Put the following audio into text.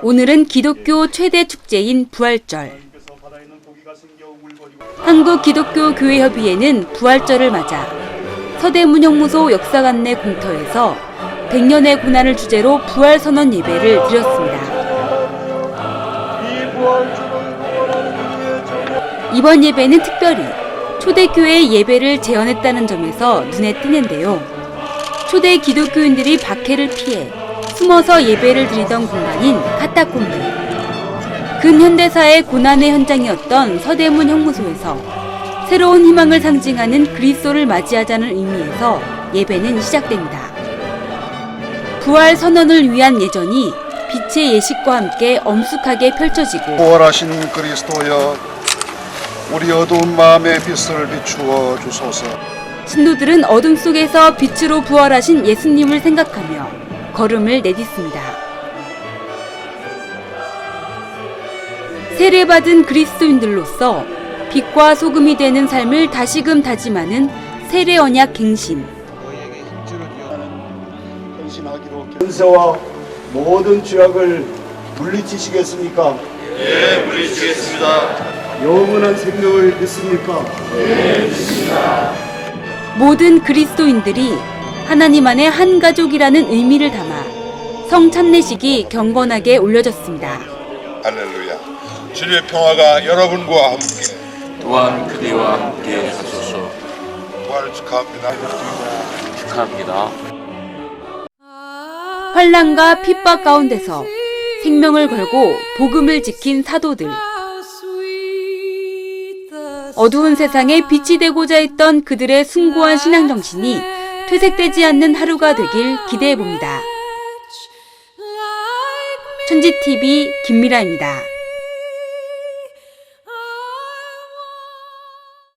오늘은 기독교 최대 축제인 부활절. 한국기독교교회협의회는 부활절을 맞아 서대문형무소 역사관 내 공터에서 100년의 고난을 주제로 부활선언 예배를 드렸습니다. 이번 예배는 특별히 초대교회 예배를 재현했다는 점에서 눈에 띄는데요. 초대 기독교인들이 박해를 피해 숨어서 예배를 드리던 공간인 카타콤브. 근현대사의 고난의 현장이었던 서대문 형무소에서 새로운 희망을 상징하는 그리스도를 맞이하자는 의미에서 예배는 시작됩니다. 부활 선언을 위한 예전이 빛의 예식과 함께 엄숙하게 펼쳐지고 부활하신 그리스도여 우리 어두운 마음의 빛을 비추어 주소서. 신도들은 어둠 속에서 빛으로 부활하신 예수님을 생각하며 걸음을 내딛습니다. 세례받은 그리스도인들로서 빛과 소금이 되는 삶을 다시금 다짐하는 세례 언약 갱신. 권세와 모든 죄악을 물리치시겠습니까? 예, 물리치겠습니다. 영원한 생명을 믿습니까? 예, 믿습니다. 모든 그리스도인들이 하나님 안의 한 가족이라는 의미를 담아 성찬례식이 경건하게 올려졌습니다. 할렐루야. 주님의 평화가 여러분과 함께 또한 그대와 함께 하소서. 부활을 축하합니다. 축하합니다. 환난과 핍박 가운데서 생명을 걸고 복음을 지킨 사도들. 어두운 세상에 빛이 되고자 했던 그들의 숭고한 신앙정신이 퇴색되지 않는 하루가 되길 기대해봅니다. 천지TV 김미라입니다.